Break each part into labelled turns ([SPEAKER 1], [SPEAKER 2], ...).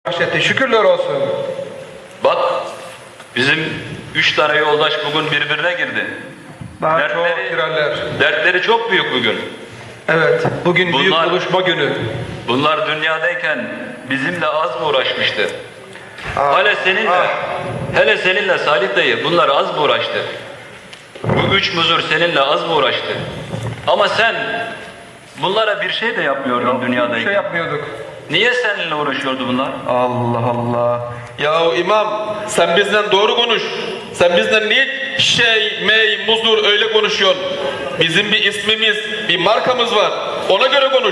[SPEAKER 1] bahşetti. Şükürler olsun.
[SPEAKER 2] Bak, bizim 3 tane yoldaş bugün birbirine girdi.
[SPEAKER 1] Daha çok girerler.
[SPEAKER 2] Dertleri çok büyük bugün.
[SPEAKER 1] Evet, bugün büyük buluşma günü.
[SPEAKER 2] Bunlar dünyadayken bizimle az mı uğraşmıştı? Hele seninle Salih dayı bunlar az mı uğraştı? Bu 3 muzur seninle az mı uğraştı? Ama sen bunlara bir şey de yapmıyordun dünyadayken.
[SPEAKER 1] Bir şey yapmıyorduk.
[SPEAKER 2] Niye seninle uğraşıyordu bunlar?
[SPEAKER 1] Allah Allah.
[SPEAKER 3] Ya imam, sen bizden doğru konuş. Sen bizden niye muzur öyle konuşuyorsun? Bizim bir ismimiz, bir markamız var. Ona göre konuş.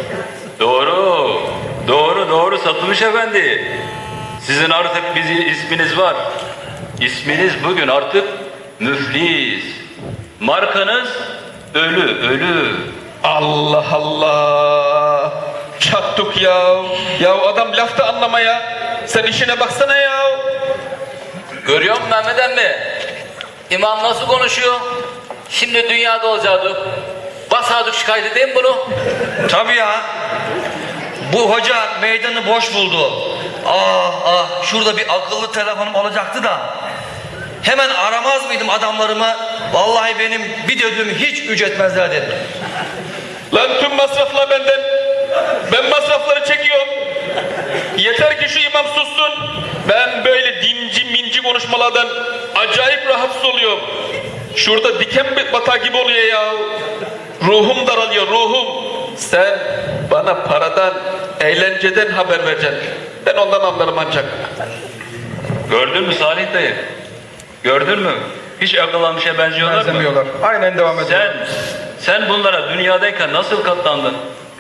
[SPEAKER 2] Doğru Satılmış Efendi. Sizin artık isminiz var. İsminiz bugün artık müflis. Markanız ölü.
[SPEAKER 3] Allah Allah. Çattık ya. Ya adam laf da anlamaya. Sen işine baksana ya.
[SPEAKER 4] Görüyor musun Mehmet emmi? İmam nasıl konuşuyor? Şimdi dünyada olacaktı. Basadık şikayet edeyim bunu.
[SPEAKER 5] Tabii ya. Bu hoca meydanı boş buldu. Şurada bir akıllı telefonum olacaktı da. Hemen aramaz mıydım adamlarımı? Vallahi benim bir dediğimi hiç ücretmezler dedim.
[SPEAKER 3] Lan tüm masraflar benden. Ben masrafları çekiyorum. Yeter ki şu imam sussun. Ben böyle dinci minci konuşmalardan acayip rahatsız oluyorum. Şurada diken batar gibi oluyor ya. Ruhum daralıyor, ruhum. Sen bana paradan, eğlenceden haber vereceksin. Ben ondan anlarım ancak.
[SPEAKER 2] Gördün mü Salih dayı? Gördün mü? Hiç akıllanmışa benziyorlar mı?
[SPEAKER 1] Benzemiyorlar. Aynen devam ediyor.
[SPEAKER 2] Sen bunlara dünyadayken nasıl katlandın?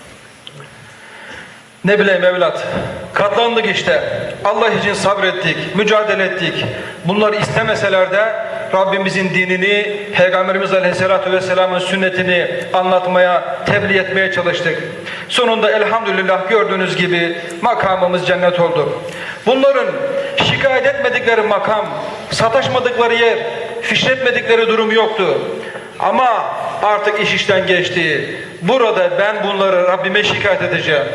[SPEAKER 1] Ne bileyim evlat. Katlandık işte. Allah için sabrettik, mücadele ettik. Bunları istemeseler de Rabbimizin dinini, Peygamberimiz Aleyhisselatü Vesselam'ın sünnetini anlatmaya, tebliğ etmeye çalıştık. Sonunda elhamdülillah gördüğünüz gibi makamımız cennet oldu. Bunların şikayet etmedikleri makam, sataşmadıkları yer, fişletmedikleri durum yoktu. Ama artık iş işten geçti. Burada ben bunları Rabbime şikayet edeceğim.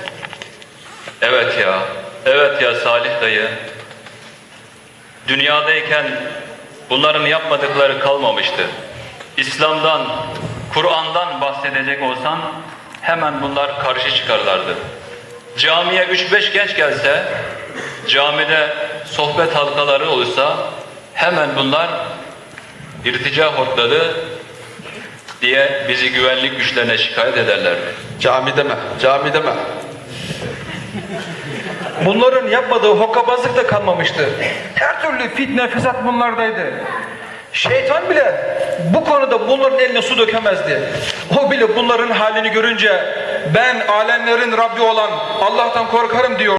[SPEAKER 2] Evet ya Salih dayı. Dünyadayken bunların yapmadıkları kalmamıştı. İslam'dan, Kur'an'dan bahsedecek olsan hemen bunlar karşı çıkarlardı. Camiye 3-5 genç gelse, camide sohbet halkaları olursa hemen bunlar irtica hortladı diye bizi güvenlik güçlerine şikayet ederlerdi.
[SPEAKER 3] Cami deme.
[SPEAKER 1] Bunların yapmadığı hokkabazlık da kalmamıştı. Her türlü fitne, fesat bunlardaydı. Şeytan bile bu konuda bunların eline su dökemezdi. O bile bunların halini görünce ben alemlerin Rabbi olan Allah'tan korkarım diyor.